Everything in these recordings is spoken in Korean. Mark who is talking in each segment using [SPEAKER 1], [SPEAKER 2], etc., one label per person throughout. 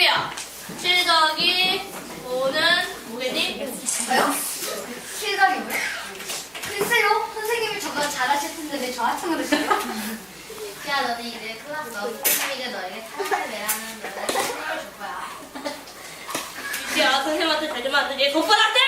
[SPEAKER 1] 삐삐야. 7 더하기 5는 뭐겠니?
[SPEAKER 2] 저요? 실각이 뭐요? 글쎄요, 선생님이 저보다 잘하실 텐데 왜 저한테 그러세요?
[SPEAKER 3] 야, 너는 이제 클났어. 선생님이 너에게 사랑을 내라는 노래를 선생님을 줄 거야.
[SPEAKER 1] 삐삐야, 선생님한테 잘 좀 안 되지. 겉바닥대!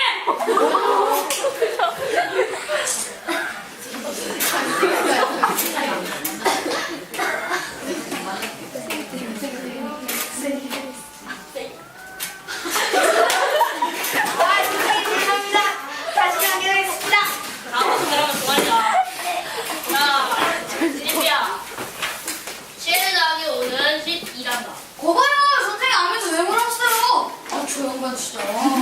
[SPEAKER 2] 아, 선생님 죄송합니다. 다시 하기로 했습니다.
[SPEAKER 1] 다음부터 그러면 그만이야. 자, 삐삐야. 7 더하기 5는 12란다.
[SPEAKER 2] 거봐요, 선생님 아무도 왜 물었어요? 아, 저 양반 진짜.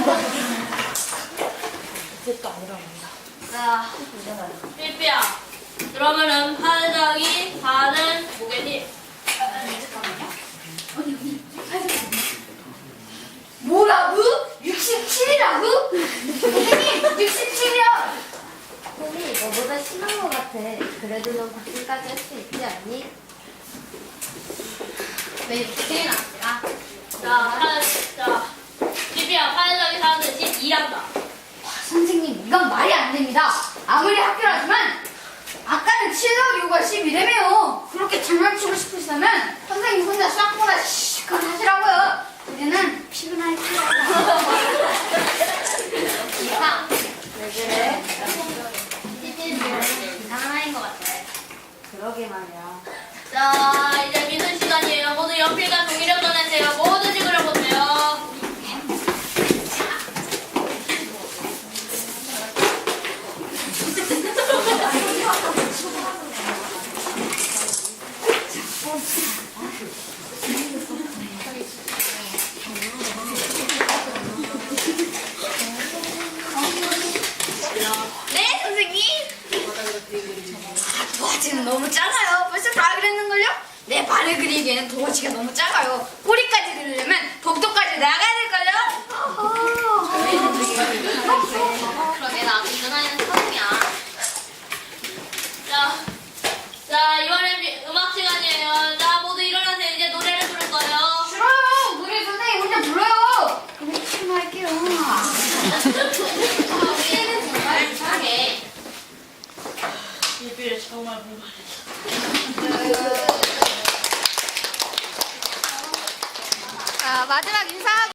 [SPEAKER 1] 자, 삐삐야. 그러면은 8 더하기 4는 뭐겠니?
[SPEAKER 2] 뭐라고? 67이라고? 선생님, 67이요.
[SPEAKER 3] 쌤이 너보다 심한 것 같아. 그래도 넌 박진까지 할 수 있지 않니?
[SPEAKER 2] 왜 이렇게 났냐?
[SPEAKER 1] 자, 삐삐야. 8 더하기 4는 12란다.
[SPEAKER 2] 선생님, 이건 말이 안 됩니다. 아무리 학교라지만 아까는 7 더하기 5가 12래매요. 그렇게 장난치고 싶으시다면 선생님 혼자 싹보다 시컷 하시라고요. 우리는 피곤할게요.
[SPEAKER 3] 이상. 왜 그래? TV는 이상한 아이인 것 같아. 그러게 말이야.
[SPEAKER 1] 자, 이제 미술 시간이에요. 모두 연필과 종이를 꺼내세요. 모두 찍으려보세요.
[SPEAKER 2] 네, 선생님. 도화지는 너무 작아요. 벌써 다 그랬는걸요? 내 발을 그리기에는 도화지가 너무 작아요. 꼬리까지 그리려면 복도까지 나가야 될걸요?
[SPEAKER 3] 그러게 나도 이런 아이는 처음이야.
[SPEAKER 1] 자, 이번엔 음악 시간이에요. 자, 모두 일어나세요. 이제 노래를 부를 거예요.
[SPEAKER 2] 싫어요. 노래 선생님 혼자 불러요. 우리 친구할게요.
[SPEAKER 3] 우리는 정말 이상해.
[SPEAKER 1] 삐삐를 정말 불만했어.
[SPEAKER 2] 마지막 인사하고.